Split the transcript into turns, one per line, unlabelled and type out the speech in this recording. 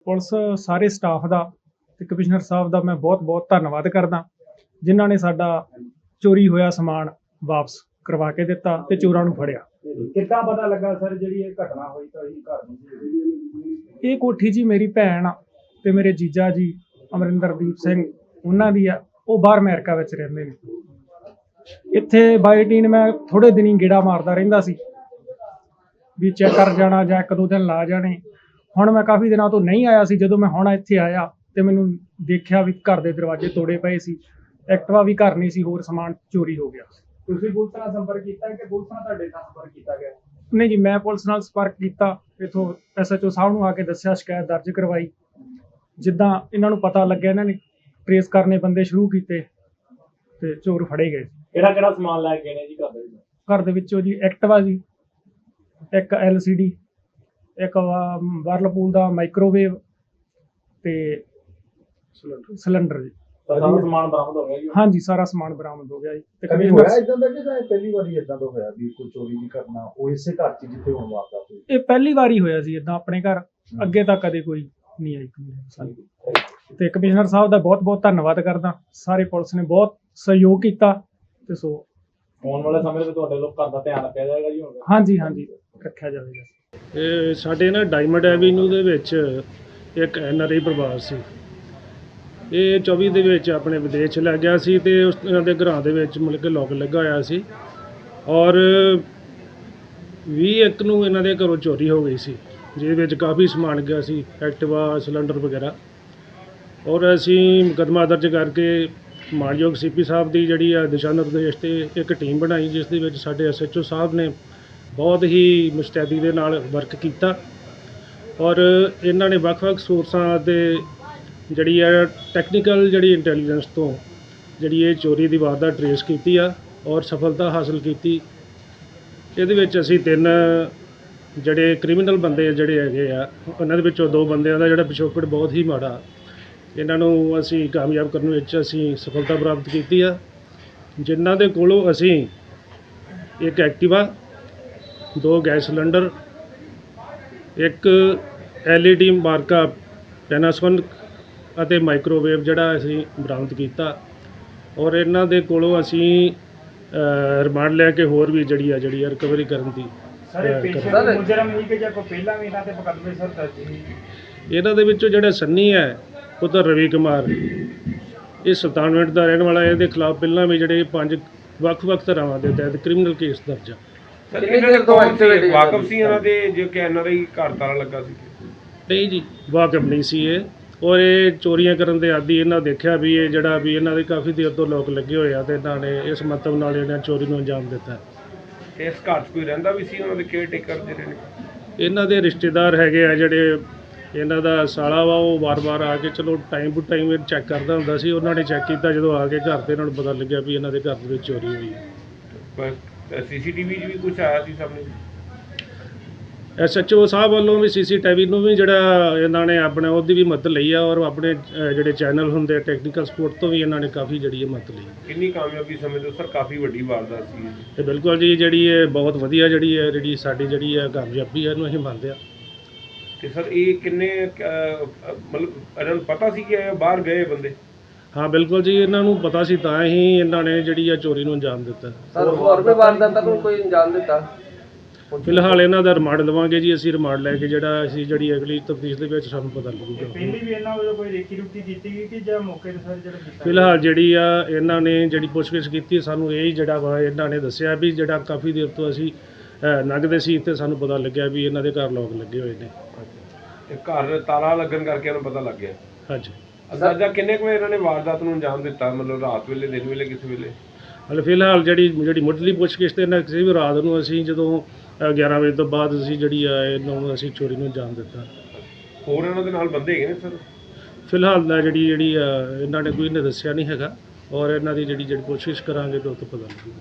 Police ਸਾਰੇ staff ਦਾ ਤੇ commissioner ਸਾਹਿਬ ਦਾ ਮੈਂ ਬਹੁਤ-ਬਹੁਤ ਧੰਨਵਾਦ ਕਰਦਾ, ਜਿਨ੍ਹਾਂ ਨੇ ਸਾਡਾ ਚੋਰੀ ਹੋਇਆ ਸਮਾਨ ਵਾਪਸ ਕਰਵਾ ਕੇ ਦਿੱਤਾ ਤੇ ਚੋਰਾਂ ਨੂੰ ਫੜਿਆ।
ਕਿੱਦਾਂ ਪਤਾ ਲੱਗਾ ਸਰ ਜਿਹੜੀ ਇਹ ਘਟਨਾ ਹੋਈ ਤਾਂ ਇਹ ਘਰ ਨੂੰ?
ਇਹ ਕੋਠੀ ਜੀ ਮੇਰੀ ਭੈਣ ਆ ਤੇ ਮੇਰੇ ਜੀਜਾ ਜੀ ਅਮਰਿੰਦਰਦੀਪ ਸਿੰਘ ਉਹਨਾਂ ਦੀ ਆ, ਉਹ ਬਾਹਰ ਅਮਰੀਕਾ ਵਿੱਚ ਰਹਿੰਦੇ ਨੇ। ਇੱਥੇ ਬਾਈ ਰੂਟੀਨ ਮੈਂ ਥੋੜੇ ਦਿਨੀ ਗੇੜਾ ਮਾਰਦਾ ਰਹਿੰਦਾ ਸੀ ਵੀ ਚੈੱਕ ਕਰ ਜਾਣਾ ਜਾਂ ਇੱਕ ਦੋ ਦਿਨ ਲਾ ਜਾਣੇ। ਹੁਣ ਮੈਂ ਕਾਫੀ ਦਿਨਾਂ ਤੋਂ ਨਹੀਂ ਆਇਆ ਸੀ, ਜਦੋਂ ਮੈਂ ਹੁਣ ਇੱਥੇ ਆਇਆ ਤੇ ਮੈਨੂੰ ਦੇਖਿਆ ਵੀ ਘਰ ਦੇ ਦਰਵਾਜ਼ੇ ਤੋੜੇ ਪਏ ਸੀ, ਐਕਟਿਵਾ ਵੀ ਘਰ ਨਹੀਂ ਸੀ, ਹੋਰ ਸਮਾਨ ਚੋਰੀ ਹੋ ਗਿਆ।
ਤੁਸੀਂ ਪੁਲਿਸ ਨਾਲ ਸੰਪਰਕ ਕੀਤਾ ਕਿ ਪੁਲਿਸ ਨਾਲ ਤੁਹਾਡੇ ਨਾਲ ਸੰਪਰਕ ਕੀਤਾ ਗਿਆ?
ਨਹੀਂ ਜੀ, ਮੈਂ ਪੁਲਿਸ ਨਾਲ ਸੰਪਰਕ ਕੀਤਾ, ਇੱਥੋਂ SHO ਸਾਹਿਬ ਨੂੰ ਆ ਕੇ ਦੱਸਿਆ, ਸ਼ਿਕਾਇਤ ਦਰਜ ਕਰਵਾਈ। ਜਿੱਦਾਂ ਇਹਨਾਂ ਨੂੰ ਪਤਾ ਲੱਗਿਆ ਇਹਨਾਂ ਨੇ ਟਰੇਸ ਕਰਨੇ ਬੰਦੇ ਸ਼ੁਰੂ ਕੀਤੇ ਤੇ ਚੋਰ ਫੜੇ ਗਏ।
ਕਿਹੜਾ ਸਮਾਨ ਲੈ ਕੇ ਗਏ ਨੇ ਜੀ ਘਰ ਦੇ ਵਿੱਚ?
ਘਰ ਦੇ ਵਿੱਚੋਂ ਜੀ ਐਕਟਿਵਾ ਜੀ, ਇੱਕ LCD, ਇੱਕ ਵਰਲਪੂਲ ਦਾ ਮਾਈਕ੍ਰੋਵੇਵ ਤੇ ਸਿਲੰਡਰ ਜੀ।
ਸਾਰਾ ਸਮਾਨ ਬਰਾਮਦ ਹੋ ਗਿਆ ਜੀ?
ਹਾਂਜੀ, ਸਾਰਾ ਸਮਾਨ ਬਰਾਮਦ ਹੋ ਗਿਆ ਜੀ। ਤੇ
ਕਦੇ ਹੋਇਆ ਇਦਾਂ ਦਾ ਕਿ ਜਾਂ ਪਹਿਲੀ ਵਾਰੀ ਇਦਾਂ ਦਾ ਹੋਇਆ ਵੀ ਕੋਈ ਚੋਰੀ ਦੀ ਘਟਨਾ ਉਹ ਇਸੇ ਘਰ 'ਚ ਜਿੱਥੇ ਹੋਣ ਵਾਰਦਾਤ ਹੋਈ?
ਇਹ ਪਹਿਲੀ ਵਾਰੀ ਹੋਇਆ ਸੀ ਇਦਾਂ ਆਪਣੇ ਘਰ, ਅੱਗੇ ਤਾਂ ਕਦੇ ਕੋਈ ਨਹੀਂ ਆਈ ਸਾਨੂੰ। ਤੇ ਕਮਿਸ਼ਨਰ ਸਾਹਿਬ ਦਾ ਬਹੁਤ-ਬਹੁਤ ਧੰਨਵਾਦ ਕਰਦਾ, ਸਾਰੇ ਪੁਲਿਸ ਨੇ ਬਹੁਤ ਸਹਿਯੋਗ ਕੀਤਾ ਤੇ ਸੋ
ਆਉਣ ਵਾਲੇ ਸਮੇਂ ਵਿੱਚ ਤੁਹਾਡੇ ਲੋਕ ਘਰ ਦਾ ਧਿਆਨ ਰੱਖਿਆ ਜਾਏਗਾ ਜੀ? ਹੁਣ
ਹਾਂਜੀ ਰੱਖਿਆ ਜਾਵੇਗਾ।
ਇਹ ਸਾਡੇ ਨਾ ਡਾਇਮੰਡ ਐਵੀਨਿਊ ਦੇ ਵਿੱਚ ਇੱਕ NRI ਪਰਿਵਾਰ ਸੀ। ਇਹ 24 ਦੇ ਵਿੱਚ ਆਪਣੇ ਵਿਦੇਸ਼ ਚਲਾ ਗਿਆ ਸੀ ਤੇ ਇਹਨਾਂ ਦੇ ਘਰਾਂ ਦੇ ਵਿੱਚ ਮਤਲਬ ਕਿ ਲੋਕ ਲੱਗਾ ਹੋਇਆ ਸੀ ਔਰ 21 ਨੂੰ ਇਹਨਾਂ ਦੇ ਘਰੋਂ ਚੋਰੀ ਹੋ ਗਈ ਸੀ, ਜਿਹਦੇ ਵਿੱਚ ਕਾਫੀ ਸਮਾਨ ਗਿਆ ਸੀ, ਐਕਟਿਵਾ, ਸਿਲੰਡਰ ਵਗੈਰਾ। ਔਰ ਅਸੀਂ ਮੁਕੱਦਮਾ ਦਰਜ ਕਰਕੇ ਮਾਨਯੋਗ CP ਸਾਹਿਬ ਦੀ ਜਿਹੜੀ ਆ ਦਿਸ਼ਾ ਨਿਰਦੇਸ਼ ਤੇ ਇੱਕ ਟੀਮ ਬਣਾਈ, ਜਿਸ ਦੇ ਵਿੱਚ ਸਾਡੇ SHO ਸਾਹਿਬ ਨੇ ਬਹੁਤ ਹੀ ਮੁਸਤੈਦੀ ਦੇ ਨਾਲ ਵਰਕ ਕੀਤਾ ਔਰ ਇਹਨਾਂ ਨੇ ਵੱਖ-ਵੱਖ ਸੋਰਸਾਂ ਦੇ ਜਿਹੜੀ ਆ ਟੈਕਨੀਕਲ ਜਿਹੜੀ ਇੰਟੈਲੀਜੈਂਸ ਤੋਂ ਜਿਹੜੀ ਇਹ ਚੋਰੀ ਦੀ ਵਾਰਦਾਤ ਟਰੇਸ ਕੀਤੀ ਆ ਔਰ ਸਫਲਤਾ ਹਾਸਲ ਕੀਤੀ। ਇਹਦੇ ਵਿੱਚ ਅਸੀਂ 3 ਜਿਹੜੇ ਕ੍ਰਿਮੀਨਲ ਬੰਦੇ ਜਿਹੜੇ ਹੈਗੇ ਆ, ਉਹਨਾਂ ਦੇ ਵਿੱਚੋਂ 2 ਬੰਦਿਆਂ ਦਾ ਜਿਹੜਾ ਪਿਛੋਕੜ ਬਹੁਤ ਹੀ ਮਾੜਾ, ਇਹਨਾਂ ਨੂੰ ਅਸੀਂ ਕਾਮਯਾਬ ਕਰਨ ਵਿੱਚ ਅਸੀਂ ਸਫਲਤਾ ਪ੍ਰਾਪਤ ਕੀਤੀ ਆ, ਜਿਨ੍ਹਾਂ ਦੇ ਕੋਲੋਂ ਅਸੀਂ ਇੱਕ ਐਕਟਿਵਾ, 2 ਗੈਸ ਸਿਲੰਡਰ, ਇੱਕ LED ਮਾਰਕਾ ਪੈਨਾਸੋਨਿਕ ਅਤੇ ਮਾਈਕ੍ਰੋਵੇਵ ਜਿਹੜਾ ਅਸੀਂ ਬਰਾਮਦ ਕੀਤਾ ਔਰ ਇਹਨਾਂ ਦੇ ਕੋਲੋਂ ਅਸੀਂ ਰਿਮਾਂਡ ਲੈ ਕੇ ਹੋਰ ਵੀ ਜਿਹੜੀ ਆ ਰਿਕਵਰੀ ਕਰਨ ਦੀ।
ਸਰ ਪੇਸ਼ੇ ਮੁਜਰਮ ਹੀ ਕਿ ਜਾਂ ਕੋਈ ਪਹਿਲਾਂ ਵੀ ਇਹਨਾਂ ਤੇ ਮੁਕੱਦਮੇ ਸਰ ਦਰਜ ਸੀ?
ਇਹਨਾਂ ਦੇ ਵਿੱਚੋਂ ਜਿਹੜਾ ਸੰਨੀ ਹੈ ਪੁੱਤਰ ਰਵੀ ਕੁਮਾਰ, ਇਹ ਸੁਲਤਾਨਵਿੰਡ ਦਾ ਰਹਿਣ ਵਾਲਾ, ਇਹਦੇ ਖਿਲਾਫ ਪਹਿਲਾਂ ਵੀ ਜਿਹੜੇ 5 ਵੱਖ-ਵੱਖ ਧਾਰਾਵਾਂ ਦੇ ਤਹਿਤ ਕ੍ਰਿਮੀਨਲ ਕੇਸ ਦਰਜ ਆ।
ਵਾਕਫ ਸੀ ਇਹਨਾਂ ਦੇ ਜੋ ਕਿ NRI ਘਰ ਤਾਲਾ ਲੱਗਾ ਸੀ?
ਨਹੀਂ ਜੀ, ਵਾਕਫ ਨਹੀਂ ਸੀ ਇਹ, ਔਰ ਇਹ ਚੋਰੀਆਂ ਕਰਨ ਦੇ ਆਦੀ। ਇਹਨਾਂ ਦੇਖਿਆ ਵੀ ਇਹ ਜਿਹੜਾ ਵੀ ਇਹਨਾਂ ਦੇ ਕਾਫੀ ਦੇਰ ਤੋਂ ਲੋਕ ਲੱਗੇ ਹੋਏ ਆ ਤੇ ਇਹਨਾਂ ਨੇ ਇਸ ਮੰਤਵ ਨਾਲ ਇਹਨਾਂ ਚੋਰੀ ਨੂੰ ਅੰਜਾਮ ਦਿੱਤਾ।
ਇਸ ਘਰ 'ਚ ਕੋਈ ਰਹਿੰਦਾ ਵੀ ਸੀ ਉਹਨਾਂ ਦੇ ਕੇਅਰ ਟੇਕਰ ਜਿਹੜੇ ਨੇ?
ਇਹਨਾਂ ਦੇ ਰਿਸ਼ਤੇਦਾਰ ਹੈਗੇ ਆ, ਜਿਹੜੇ ਇਹਨਾਂ ਦਾ ਸਾਲਾ ਵਾ, ਉਹ ਵਾਰ-ਵਾਰ ਆ ਕੇ ਚਲੋ ਟਾਈਮ ਟੂ ਟਾਈਮ ਚੈੱਕ ਕਰਦਾ ਹੁੰਦਾ ਸੀ। ਉਹਨਾਂ ਨੇ ਚੈੱਕ ਕੀਤਾ, ਜਦੋਂ ਆ ਕੇ ਘਰ ਤੇ ਇਹਨਾਂ ਨੂੰ ਪਤਾ ਲੱਗਿਆ ਵੀ ਇਹਨਾਂ ਦੇ ਘਰ ਦੇ ਵਿੱਚ ਚੋਰੀ ਹੋਈ ਹੈ।
ਪਰ CCTV 'ਚ ਵੀ ਕੁਝ ਆਇਆ ਸੀ ਸਾਹਮਣੇ?
SHO ਸਾਹਿਬ ਵੱਲੋਂ ਵੀ CCTV ਨੂੰ ਵੀ ਜਿਹੜਾ ਇਹਨਾਂ ਨੇ ਆਪਣੇ ਉਹਦੀ ਵੀ ਮਦਦ ਲਈ ਆ ਔਰ ਆਪਣੇ ਜਿਹੜੇ ਚੈਨਲ ਹੁੰਦੇ ਟੈਕਨੀਕਲ ਸਪੋਰਟ ਤੋਂ ਵੀ ਇਹਨਾਂ ਨੇ ਕਾਫੀ ਜਿਹੜੀ ਮਦਦ ਲਈ।
ਕਿੰਨੀ ਕਾਮਯਾਬੀ ਸਮਝਦੇ ਸਰ? ਕਾਫੀ ਵੱਡੀ ਵਾਰਦਾਤ ਸੀ
ਤੇ ਬਿਲਕੁਲ ਜੀ, ਜਿਹੜੀ ਇਹ ਬਹੁਤ ਵਧੀਆ ਜਿਹੜੀ ਸਾਡੀ ਜਿਹੜੀ ਆ ਕਾਮਯਾਬੀ ਹੈ, ਇਹਨੂੰ ਅਸੀਂ ਮੰਨਦੇ ਹਾਂ।
ਤੇ ਸਰ ਇਹ ਕਿੰਨੇ ਮਤਲਬ ਇਹਨਾਂ ਨੂੰ ਪਤਾ ਸੀ ਕਿ ਇਹ ਬਾਹਰ ਗਏ ਬੰਦੇ?
ਹਾਂ ਬਿਲਕੁਲ ਜੀ, ਇਹਨਾਂ ਨੂੰ ਪਤਾ ਸੀ, ਤਾਂ ਹੀ ਇਹਨਾਂ ਨੇ ਜਿਹੜੀ ਆ ਚੋਰੀ ਨੂੰ ਅੰਜਾਮ ਦਿੱਤਾ।
ਸਰ ਹੋਰ ਵੀ ਵਾਰਦਾਤਾਂ ਨੂੰ ਕੋਈ ਅੰਜਾਮ ਦਿੱਤਾ?
ਫਿਲਹਾਲ ਇਹਨਾਂ ਦਾ ਰਿਮਾਂਡ ਲਵਾਂਗੇ ਜੀ ਅਸੀਂ, ਰਿਮਾਂਡ ਲੈ ਕੇ ਜਿਹੜੀ ਅਗਲੀ ਤਫਤੀਸ਼ ਦੇ ਵਿੱਚ ਸਾਨੂੰ ਪਤਾ ਲੱਗੂਗਾ।
ਪਹਿਲੀ ਵੀ ਇਹਨਾਂ ਵੱਲੋਂ ਕੋਈ ਰੇਕੀ ਰੁਕੀ ਕੀਤੀ ਗਈ ਕਿ ਜਾਂ ਮੌਕੇ ਤੇ ਸਰ ਜਿਹੜਾ ਕੀਤਾ?
ਫਿਲਹਾਲ ਜਿਹੜੀ ਆ ਇਹਨਾਂ ਨੇ ਜਿਹੜੀ ਪੁੱਛਗਿੱਛ ਕੀਤੀ, ਸਾਨੂੰ ਇਹ ਜਿਹੜਾ ਵਾ ਇਹਨਾਂ ਨੇ ਦੱਸਿਆ ਵੀ ਜਿਹੜਾ ਕਾਫੀ ਦੇਰ ਤੋਂ ਅਸੀਂ ਲੰਘਦੇ ਸੀ ਤੇ ਸਾਨੂੰ ਪਤਾ ਲੱਗਿਆ ਵੀ ਇਹਨਾਂ ਦੇ ਘਰ ਲੋਕ ਲੱਗੇ ਹੋਏ ਨੇ।
ਤੇ ਘਰ ਤਾਲਾ ਲੱਗਣ ਕਰਕੇ ਇਹਨਾਂ ਨੂੰ ਪਤਾ ਲੱਗ ਗਿਆ?
ਹਾਂਜੀ।
ਅੰਦਾਜ਼ਾ ਕਿੰਨੇ ਕੁ ਵਜੇ ਇਹਨਾਂ ਨੇ ਵਾਰਦਾਤ ਨੂੰ ਅੰਜਾਮ ਦਿੱਤਾ, ਮਤਲਬ ਰਾਤ ਵੇਲੇ, ਦਿਨ ਵੇਲੇ, ਕਿਸੇ ਵੇਲੇ?
ਹਾਲੇ ਫਿਲਹਾਲ ਜਿਹੜੀ ਮੁੱਢਲੀ ਪੁੱਛਗਿੱਛ ਤੇ ਇਹਨਾਂ ਕਿਸੇ ਵੀ ਰਾਤ ਨੂੰ ਅਸੀਂ ਜਦੋਂ 11 ਵਜੇ ਤੋਂ ਬਾਅਦ ਅਸੀਂ ਜਿਹੜੀ ਆ ਇਹਨੂੰ ਅਸੀਂ ਚੋਰੀ ਨੂੰ ਅੰਜਾਮ ਦਿੱਤਾ।
ਹੋਰ ਇਹਨਾਂ ਦੇ ਨਾਲ ਬੰਦੇ ਹੈਗੇ ਨੇ ਸਰ?
ਫਿਲਹਾਲ ਜਿਹੜੀ ਇਹਨਾਂ ਨੇ ਕੋਈ ਨੇ ਦੱਸਿਆ ਨਹੀਂ ਹੈਗਾ ਔਰ ਇਹਨਾਂ ਦੀ ਜਿਹੜੀ ਪੁੱਛਗਿੱਛ ਕਰਾਂਗੇ ਤਾਂ ਉਹ ਤੋਂ ਪਤਾ ਲੱਗੂਗਾ।